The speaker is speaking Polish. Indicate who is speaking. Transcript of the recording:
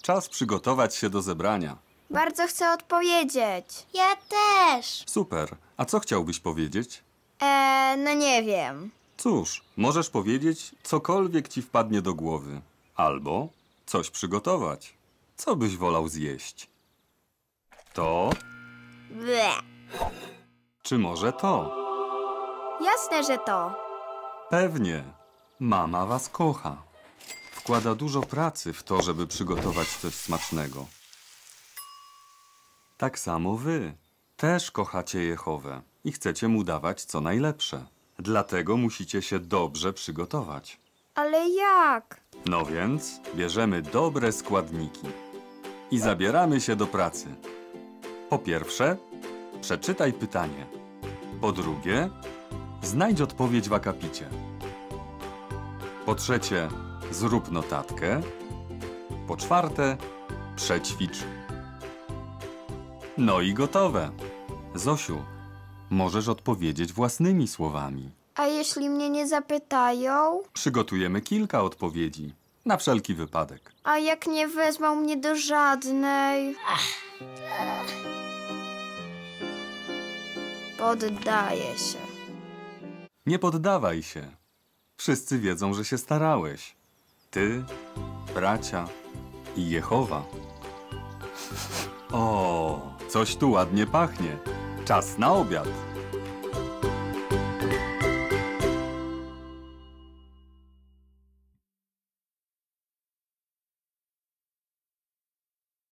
Speaker 1: Czas przygotować się do zebrania.
Speaker 2: Bardzo chcę odpowiedzieć.
Speaker 3: Ja też.
Speaker 1: Super. A co chciałbyś powiedzieć?
Speaker 2: No nie wiem.
Speaker 1: Cóż, możesz powiedzieć cokolwiek ci wpadnie do głowy. Albo coś przygotować. Co byś wolał zjeść? To,
Speaker 2: Ble.
Speaker 1: czy może to?
Speaker 2: Jasne, że to.
Speaker 1: Pewnie. Mama was kocha. Wkłada dużo pracy w to, żeby przygotować coś smacznego. Tak samo wy. Też kochacie Jehowę i chcecie mu dawać co najlepsze. Dlatego musicie się dobrze przygotować.
Speaker 2: Ale jak?
Speaker 1: No więc bierzemy dobre składniki i zabieramy się do pracy. Po pierwsze, przeczytaj pytanie. Po drugie, znajdź odpowiedź w akapicie. Po trzecie, zrób notatkę. Po czwarte, przećwicz. No i gotowe. Zosiu, możesz odpowiedzieć własnymi słowami.
Speaker 2: A jeśli mnie nie zapytają?
Speaker 1: Przygotujemy kilka odpowiedzi, na wszelki wypadek.
Speaker 2: A jak nie wezmą mnie do żadnej? Poddaję się.
Speaker 1: Nie poddawaj się. Wszyscy wiedzą, że się starałeś. Ty, bracia i Jehowa. O, coś tu ładnie pachnie. Czas na obiad.